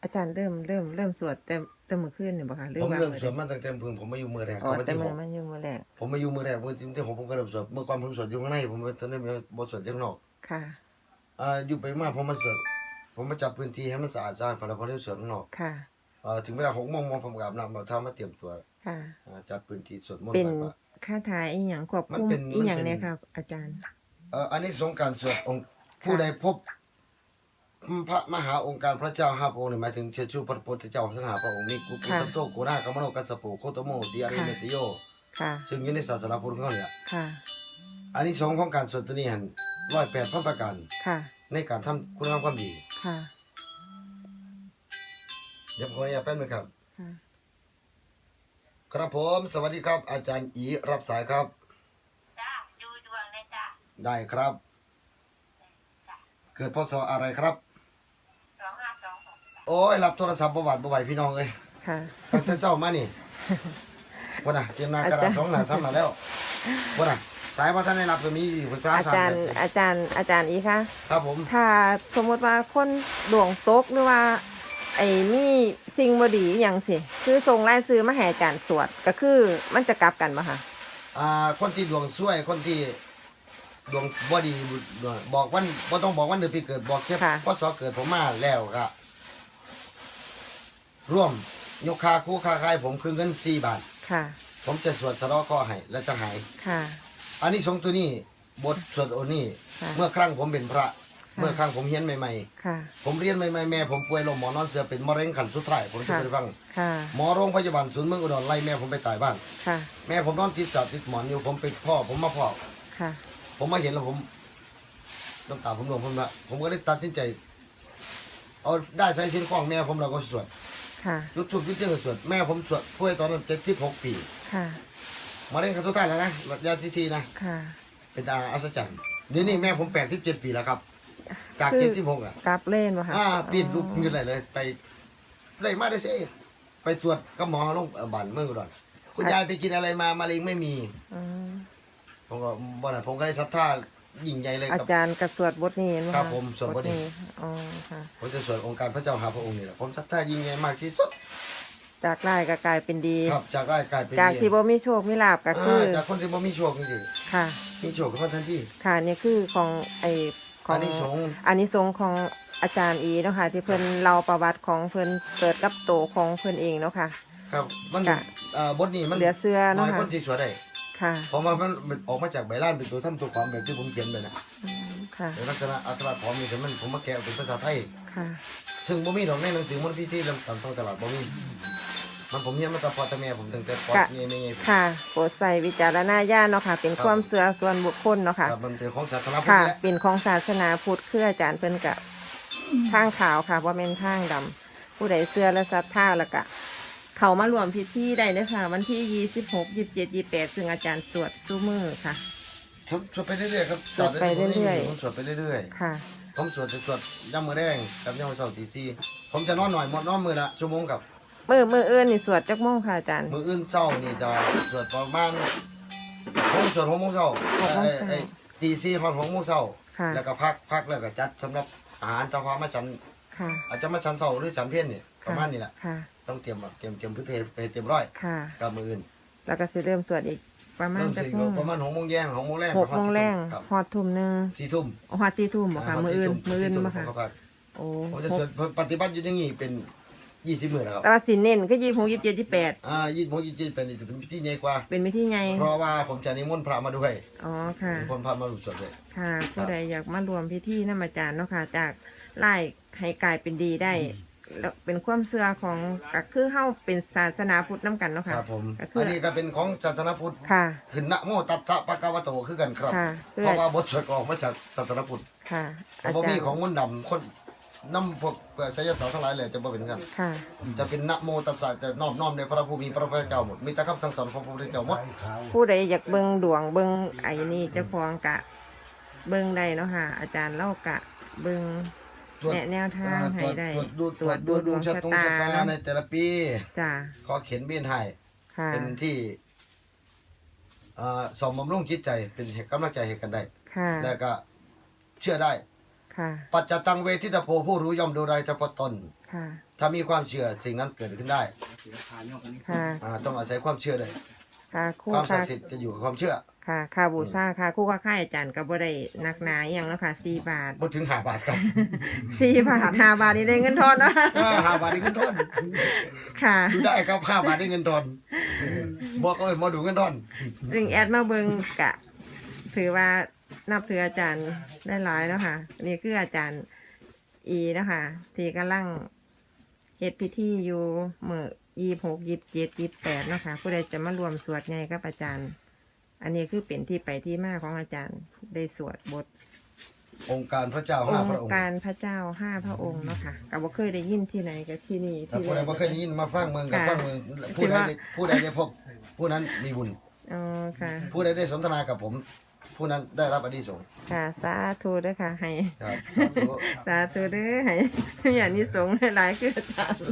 อาจารย์เริ่มสวดแต่มื้อคืนนี่บ่คะหรือผมว่าเริ่มมื้อสวดมาตั้งแต่เพิ่งผมมาอยู่มือแรกอ๋อครับวันแต่ที่มื้หอก มันอยู่มื้อแรกผมมาอยู่มือแรกวันที่6ผมก็เริ่มสวดเมื่อก่อนผมสวดอยู่ข้างในผมตอนนี้บ่สวดข้างนอกค่ะอยู่ไปมาผมมาสวดผมมาจัดพื้นที่ให้มันสะอาดพอแล้วพอได้สวดข้างนอกค่ะถึงเวลา6โมงผมก็อาบน้ำเอาเท้ามาเตรียมตัวค่ะจัดพื้นที่สวดมนต์เป็นไหว้พระคาถาอีหยังควบมันคุมเป็นอีหยังมันเป็นเนี่ยครับอาจารย์อันนี้สงส์การสวดองค์ผู้ใดพบพระมหาองค์การพระเจ้าห้าพระองค์นี่หมายถึงเชื้อชูพระพุทธเจ้าทั้งห้าพระองค์นี้กุกุสันโธกุณากัมมโนกัสสะโปโคตโมสีอาริเมตโยค่ะซึ่งอยู่ในศาสนาพุทธของเขาเนี่ยค่ะอันนี้สงส์ของการสวดตัวนี้หัน108พระประการค่ะในการทำคุณงามความดีค่ะเดี๋ยวผมขออนุญาตแป๊บนึงครับค่ะครับผมสวัสดีครับ อาจารย์อีรับสายครับจ้าดูดวงเลยจ้าได้ครับ เกิดพศอะไรครับ 2526 โอ้ยรับโทรศัพท์บ่หวัดบ่ไหวพี่น้องเอ้ยค่ะตั้งแต่เช้ามานี่ บ่น่ะเตรียมหน้ากระดาษสองหน้าซ้ำหน้าแล้วบ่น่ะสายบ่ทันได้รับก็มีอยู่เพิ่น3 อาจารย์อีคะครับผมถ้าสมมติว่าคนดวงตกหรือว่า ไอ้มีสิ่งบ่ดีอหย่างสิคือส่งรายชื่อมาให้อาจารย์สวดก็คือมันจะกลับกันบ่คะคนที่ดวงซวยคนที่ดวงบ่ดีบอกวันบ่ต้องบอกวันเดือนปีเกิดบอกแค่พศเกิดผมมาแล้วก็ร่วมยกค่าคู่ค่าคายผมคือเงิน4 บาทค่ะผมจะสวดสะเดาะเคราะห์ให้และจะหายค่ะอันนี้สงส์ตัวนี้บทสวดโอนี่ค่ะเมื่อครั้งผมเป็นพระ เมื่อครั้งผมเรียนใหม่ค่ะๆผมเรียนใหม่ๆแม่ผมป่วยลงหมอนอนเสือเป็นมะเร็งขั้นสุดท้ายผมจะค่ะไปฟังค่ะหมอโรงพยาบาลศูนย์เมืองอุดรไล่แม่ผมไปตายบ้านค่ะแม่ผมนอนติดสาติดหมอนอยู่ผมไปพ่อผมมาพ่อค่ะผมมาเห็นแล้วผมน้ำตาผมหลงผมละผมก็เลยตัดสินใจ เอาได้ใช้ชิ้นของแม่ผมเราก็สวดค่ะยุดทุกยุดเจ้าสวดแม่ผมสวดป่วยตอนนั้น76 ปีค่ะมะเร็งขั้นสุดท้ายแล้วนะระยะที่สี่นะค่ะเป็นอัศจรรย์เดี๋ยวนี้แม่ผม87 ปีแล้วครับ จากคือ 76อ่ะกลับเล่นบ่คะปีนลุกยืนเลยไปได้มาได้เสิไปตรวจกับหมอโรงพยาบาลเมืองอุดรคุณยายไปกินอะไรมามะเร็งไม่มีอืมผมก็บ่นั้นผมก็ได้ศรัทธายิ่งใหญ่เลยอากับจารย์ก็สวดบทนี้เห็นบ่ะครับผมสวดบทนี้อ๋อค่ะผมจะสวดองค์การพระเจ้าหาพระองค์นี่แหละผมศรัทธายิ่งใหญ่มากที่สุดจากร้ายก็กลายเป็นดีครับจากได้กลายเป็นจากดีที่บ่มีโชคมีลาภก็คือจากคนที่บ่มีโชคจริงค่ะๆมีโชคขึ้นมาทันทีค่ะนี่คือของของอานิสงส์อานิสงส์ของอาจารย์อีเนาะค่ะที่เพิ่นเล่าประวัติของเพิ่นเกิดกับโตของเพิ่นเองเนาะค่ะครับมันค่ะบทนี้มันเหลือเสื้อน้เนาะอยค่ะคนที่สวดได้ค่ะเพราะว่ามันออกมาจากใบลานเป็นตัวทำตัวความแบบที่ผมเขียนไปนะอืมค่ะในลักษณะอัตราพร้อมนี่แต่มันผมมาแกะเป็นภาษาไทยค่ะซึ่งบ่มีดอกในหนังสือมนต์พิธีลำตามท้องตลาดบ่มีมันผมเรียนมาแต่พอแต่แม่ผมตั้งแต่ปอดกะเงี้ยไม่เงี้ยค่ะโปรดใส่วิจารณญาณเนาะค่ะ เป็นความเชื่อส่วนบุคคลเนาะค่ะครับมันเป็นของศาสนาพุทธค่ะนี่แหละเป็นของศาสนาพุทธคืออาจารย์เพิ่นกะทางขาวค่ะว่าเป็นทางดำผู้ใดเชื่อและศรัทธาแล้วก็เขามารวมพิธีได้เด้อค่ะ วันที่26 27 28ซึ่งอาจารย์สวดซุมื้อค่ะสวดไปเรื่อยๆครับสวดไปเรื่อยๆผมสวดไปเรื่อยค่ะๆผมสวดจะสวดย่ำมือแดงกับย่ำมือเสาร์ตีสี่ผมจะนอนหน่อยหมดนอนมือละชั่วโมงกับมื้ออื่นนี่สวดจักโมงค่ะอาจารย์มืออื่นเศร้านี่จะสวดประมาณผมสวด6 โมงเช้า 6 โมงเช้าตีสี่ฮอด6 โมงเช้าค่ะแล้วก็พักแล้วก็จัดสำหรับอาหารเจ้าพามาฉันค่ะอาจจะมาฉันเช้าหรือฉันเพี้ยนนี่ประมาณนี้แหละค่ะต้องเตรียมพื้นเพไปเตรียมร้อยค่ะกับมืออื่นแล้วก็สิเริ่มสวดอีกประมาณเริ่มจักสิโมงประมาณ6 โมงแย่ง6 โมงแรง 6 โมงแรงครับฮอดทุ่มหนึง 4 ทุ่มฮอด4 ทุ่มบ่ค่ะ มื้ออื่นบ่ค่ะผมก็พักโอ้ผมจะสวดปฏิบัติอยู่อย่างนี้เป็น20 มื้อแล้วครับแต่ว่าสิเน้นคือ26 27 28 20 โมง20เป็นจะเป็นพิธีใหญ่กว่าเป็นวิธีไงเพราะว่าผมจะนิมนต์พระมาด้วยอ๋อค่ะนิมนต์พระมาร่วมสวดด้วยค่ะผู้ใดอยากมารวมพิธีนำอาจารย์เนาะค่ะ จากไล่ให้กลายเป็นดีได้แล้วเป็นความเชื่อของก็คือเฮาเป็นศาสนาพุทธนํกันเนาะคค่ะรับผมก็คืออันนี้ก็เป็นของศาสนาพุทธค่ะขึ้นนะโมตัสสะปะคะวะโตคือกันครับค่ะเพื่อเพราะว่าบทสวดก็ออกมาจากศาสนาพุทธค่ะแต่บ่มีของมนต์ดำคนนำพวกไสยศาสตร์ทั้งหลายเลยจะบ่เป็นกันค่ะจะเป็นนะโมตัสสะจะน้อมในพระผู้มีพระภาคเจ้าหมดมีแต่คำสั่งสอนของพระพุทธเจ้าหมดผู้ใดอยากเบิ่งดวงเบิ่งไอ้นี่เจ้าของกะ เบิ่งได้เนาะค่ะ อาจารย์เล่ากะ เบิ่งตรวจแนวทางให้ได้ตรวจดูดวงชะตาเนาะในแต่ละปีจ้าขอเขียนเบี้ยนให้ค่ะเป็นที่สมบำรุงจิตใจเป็นกำลังใจให้กันได้ค่ะแล้วก็เชื่อได้ค่ะปัจจตังเวทิตาโพผู้รู้ย่อมดูได้เฉพาะตนค่ะถ้ามีความเชื่อสิ่งนั้นเกิดขึ้นได้ค่ะต้องอาศัยความเชื่อเลยค่ะครู่ความศัค่ะกดิ์สิทธิ์จะอยู่กับความเชื่อค่ะค่าบูชาค่ะครู่ค่าค่ายอาจารย์ก็บ่ได้หนักหนาอหย่างแล้วค่ะ4 บาทบ่ถึง5 บาทครับ 4 บาท5 บาทนี่ได้เงินทอนเนาะ 5 บาทได้เงินทอนค่ะดูได้ครับ5 บาทได้เงินทอนบอกเอิ้นบ่ดูเงินทอนซึ่งแอดมาเบิงกะ ถือว่านับถืออาจารย์ได้หลายแล้วค่ะ นี่คืออาจารย์อีนะคะที่กำลังเฮ็ดพิธีอยู่มื้อ26 27 28เนาะค่ะผู้ใดจะมารวมสวดไงกับอาจารย์ อันนี้คือเป็นที่ไปที่มาของอาจารย์ได้สวดบทองค์การพระเจ้าอ 5 พระงองค์ค์การพระเจ้า5 พระองค์เนาะค่ะก็บ่เคยได้ยินที่ไหนก็ที่นี่ถ้าที่ผู้ใดบ่เคยได้ยินมาฟังเมืองกับฟังเมืองผู้ใดได้พบผู้นั้นมีบุญอ๋อค่ะผู้ใดได้สนทนากับผม ผู้นั้นได้รับอานิสงส์ค่ะสาธุเด้อค่ะให้ครับสาธุสาธุเด้อให้อย่างนี้สงฆ์หลายๆคืออาจารย์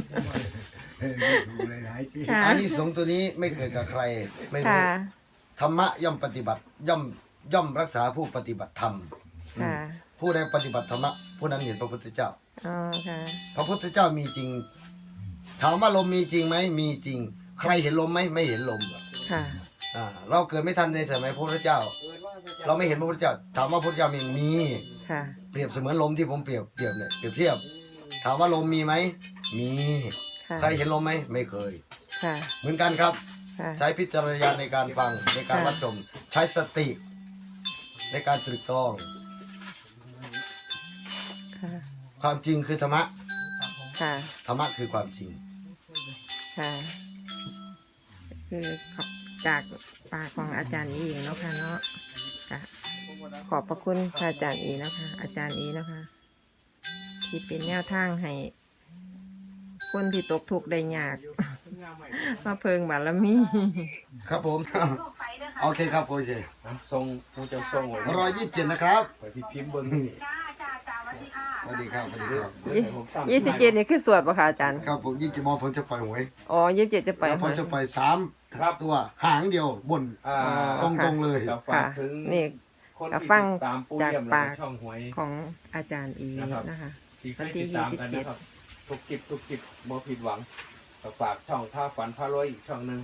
ค่ะอานิสงส์ตัวนี้ไม่เกิดกับใครไม่รู้ค่ะธรรมะย่อมปฏิบัติย่อมรักษาผู้ปฏิบัติธรรมค่ะผู้ใดปฏิบัติธรรมะผู้นั้นเห็นพระพุทธเจ้าอ๋อค่ะพระพุทธเจ้ามีจริง ถามว่าลมมีจริงไหมมีจริง ใครเห็นลมไหมไม่เห็นลมค่ะเราเกิดไม่ทันในสมัยพระพุทธเจ้า เราไม่เห็นพระพุทธเจ้า ถามว่าพระพุทธเจ้ามีค่ะเปรียบเสมือนลมที่ผมเปรียบเนี่ยเปรียบเทียบ ถามว่าลมมีไหมมีค่ะใครเห็นลมไหมไม่เคยค่ะเหมือนกันครับค่ะใช้พิจารณญาณในการฟังในการรับชม ใช้สติ ในการตรึกตรองค่ะความจริงคือธรรมะค่ะธรรมะคือความจริงค่ะ คือจากปากของอาจารย์อีเนาะค่ะเนาะค่ะขอบพระคุณค่ะอาจารย์อีนะคะ อาจารย์อีนะคะ ที่เป็นแนวทางให้คนที่ตกทุกข์ได้ยาก มาเพิงบารมีครับผมลูกไปเด้อค่ะโอเคครับโอเคทรงผู้จะทรงไว้ 127นะครับไปที่พิมพ์เบิ้งจ้าจ้าจ้าสวัสดีค่ะสวัสดีครับสวัสดีครับผมสร้าง 27นี่คือสวดปะคะอาจารย์ครับผม27 โมงผมจะปล่อยหวยอ๋อ27จะไปแล้วผมจะปล่อย3ตัวหางเดียวบนอ่าตรงๆเลยจะฝากถึงนี่คนก็ที่ฟังติดตามปูจากเยี่ยมปาและกช่องหวยของอาจารย์อีนะคะที่เคยติดตามกันนะครับ ทุกคลิปบ่ผิดหวังก็ฝากช่องท่าฝันพารวยอีกช่องหนึ่ง